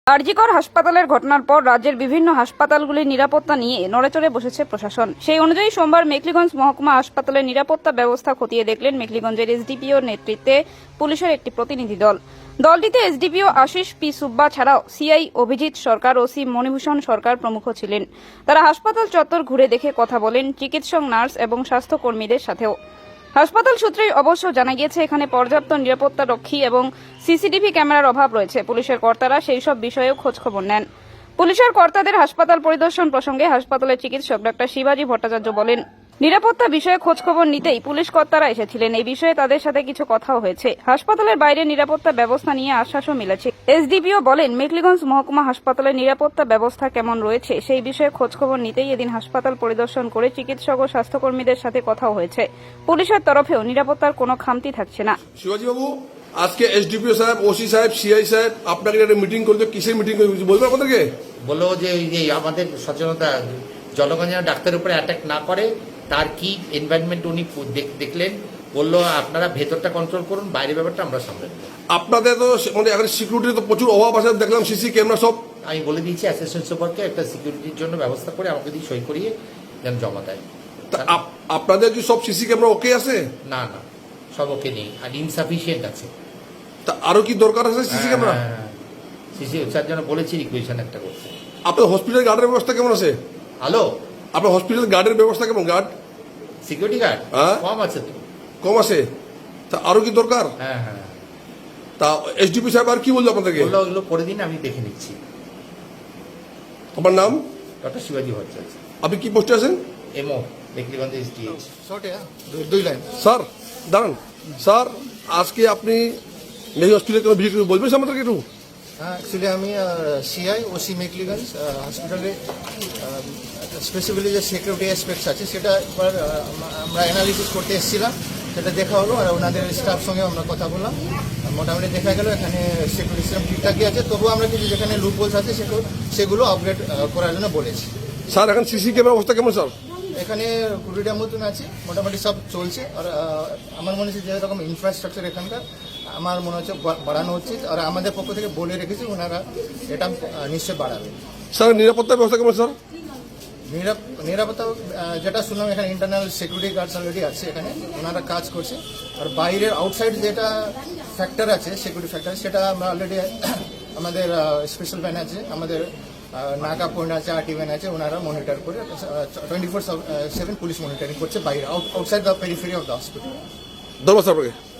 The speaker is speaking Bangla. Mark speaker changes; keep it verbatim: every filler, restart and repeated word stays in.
Speaker 1: আরজিকর হাসপাতালের ঘটনার পর রাজ্যের বিভিন্ন হাসপাতালগুলির নিরাপত্তা নিয়ে নড়েচড়ে বসেছে প্রশাসন। সেই অনুযায়ী সোমবার মেখলিগঞ্জ মহকুমা হাসপাতালের নিরাপত্তা ব্যবস্থা খতিয়ে দেখলেন মেখলিগঞ্জের এসডিপিওর নেতৃত্বে পুলিশের একটি প্রতিনিধি দল। দলটিতে এসডিপিও আশিস পি সুব্বা ছাড়াও সিআই অভিজিৎ সরকার, ওসি মণিভূষণ সরকার প্রমুখ ছিলেন। তারা হাসপাতাল চত্বর ঘুরে দেখে কথা বলেন চিকিৎসক, নার্স এবং স্বাস্থ্যকর্মীদের সাথেও। হাসপাতাল সূত্রেই অবশ্য জানা গিয়েছে এখানে পর্যাপ্ত নিরাপত্তা রক্ষী এবং সিসিটিভি ক্যামেরার অভাব রয়েছে। পুলিশের কর্তারা সেই সব বিষয়েও খোঁজখবর নেন। পুলিশের কর্তাদের হাসপাতাল পরিদর্শন প্রসঙ্গে হাসপাতালের চিকিৎসক ডাক্তার শিবাজি ভট্টাচার্য বলেন, নিরাপত্তা বিষয়ে খোঁজখবর নিতেই পুলিশ কর্তারা এসেছিলেন। এই বিষয়ে তাদের সাথে কিছু কথাও হয়েছে। হাসপাতালের বাইরে নিরাপত্তা ব্যবস্থা নিয়ে আশ্বাসও মিলেছে। এসডিপিও বলেন, মেখলিগঞ্জ মহকুমা হাসপাতালের নিরাপত্তা ব্যবস্থা কেমন রয়েছে সেই বিষয়ে খোঁজখবর নিতেই এদিন হাসপাতাল পরিদর্শন করে চিকিৎসক ও স্বাস্থ্যকর্মীদের সাথে কথাও হয়েছে। পুলিশের তরফেও নিরাপত্তার কোনো খামতি থাকছে না।
Speaker 2: শিবাজি বাবু, আজকে এসডিপিও সাহেব, ওসি সাহেব, সিআই সাহেব আপনাকে একটা মিটিং করতে, কিসের মিটিং করতে বলবেন আপনাদেরকে?
Speaker 3: বললো যে এই আমাদের সচেতনতা জনগণ যেন ডাক্তারের উপরে অ্যাটাক না করে, তার কি এনভায়রনমেন্ট উনি দেখলেন। বললো আপনারা ভেতরটা কন্ট্রোল করুন, বাইরের ব্যাপারটা আমরা সামলে নেব।
Speaker 2: আপনাদের তো মানে এখন সিকিউরিটি তো প্রচুর অভাব আছে, দেখলাম সিসি ক্যামেরা সব।
Speaker 3: আমি বলে দিয়েছি অ্যাসিস্ট্যান্ট সুপারকে একটা সিকিউরিটির জন্য ব্যবস্থা করে আমাকে দিয়ে সই করিয়ে যেন জমা দেয়।
Speaker 2: তা আপনাদের কি সব সিসি ক্যামেরা ওকে আছে?
Speaker 3: না না, সব ওকে নেই, আর ইনসাফিসিয়েন্ট আছে।
Speaker 2: তা আরো কি দরকার আছে সিসি ক্যামেরা?
Speaker 3: সিসি স্যার যেন বলেছি রিকুয়েশন একটা করতে।
Speaker 2: আপনার হসপিটাল গার্ডের ব্যবস্থা কেমন আছে?
Speaker 3: হ্যালো,
Speaker 2: আপনার হসপিটাল গার্ডের ব্যবস্থা কেমন? গার্ড,
Speaker 3: সিকিউরিটি গার্ড কম আছে তো।
Speaker 2: কম আছে? তা আরো কি দরকার?
Speaker 3: হ্যাঁ হ্যাঁ।
Speaker 2: তা এসডিপি সাহেব আর কি বললো আপনাদেরকে?
Speaker 3: বললো ওগুলো করে দিন, আমি দেখে নিচ্ছি।
Speaker 2: আপনার নাম?
Speaker 3: ডক্টর শিবাজি ভট্টাচার্য।
Speaker 2: আপনি কি পোস্টে আছেন?
Speaker 3: MO Mekhliganj SDH.
Speaker 4: দুই লাইন।
Speaker 2: স্যার দাঁড়ান। স্যার, আজকে আপনি মেহি হসপিটালে কোনো ভিজিট করে বলবেন আমাদেরকে একটু?
Speaker 4: হ্যাঁ, অ্যাকচুয়ালি আমি সিআই ওসি মেখলিগঞ্জ হসপিটালে স্পেসিফিকলি যে সিকিউরিটি অ্যাসপেক্টস আছে সেটা একবার আমরা অ্যানালিসিস করতে এসেছিলাম। সেটা দেখা হলো আর ওনাদের স্টাফ সঙ্গে আমরা কথা বললাম। মোটামুটি দেখা গেল এখানে সিকিউরিটি সিস্টেম ঠিকঠাকই আছে, তবুও আমরা কিছু যেখানে লুপহোলস আছে সেগুলো সেগুলো আপগ্রেড করার জন্য বলেছি।
Speaker 2: স্যার, এখন সিসি ক্যামেরা অবস্থা কেমন স্যার?
Speaker 4: এখানে কুড়িটার মতন আছে, মোটামুটি সব চলছে। আর আমার মনে হচ্ছে যেরকম ইনফ্রাস্ট্রাকচার এখানকার আমার মনে হচ্ছে বাড়ানো হচ্ছে, আর আমাদের পক্ষ থেকে বলে রেখেছি ওনারা এটা নিশ্চয়ই বাড়াবে।
Speaker 2: স্যার, নিরাপত্তা ব্যবস্থা কেমন স্যার?
Speaker 4: নিরাপত্তা যেটা শুনলাম, এখানে ইন্টারনাল সিকিউরিটি গার্ডস অলরেডি আছে, এখানে ওনারা কাজ করছে। আর বাইরের আউটসাইড যেটা ফ্যাক্টর আছে, সিকিউরিটি ফ্যাক্টর, সেটা আমরা অলরেডি আমাদের স্পেশাল ভ্যান আছে, আমাদের নাকা পয়েন্ট আছে, আরটি ভ্যান আছে, ওনারা মনিটর করে twenty four seven police monitoring করছে বাইরে, outside the periphery of the hospital.
Speaker 2: ধন্যবাদ স্যার আপনাকে।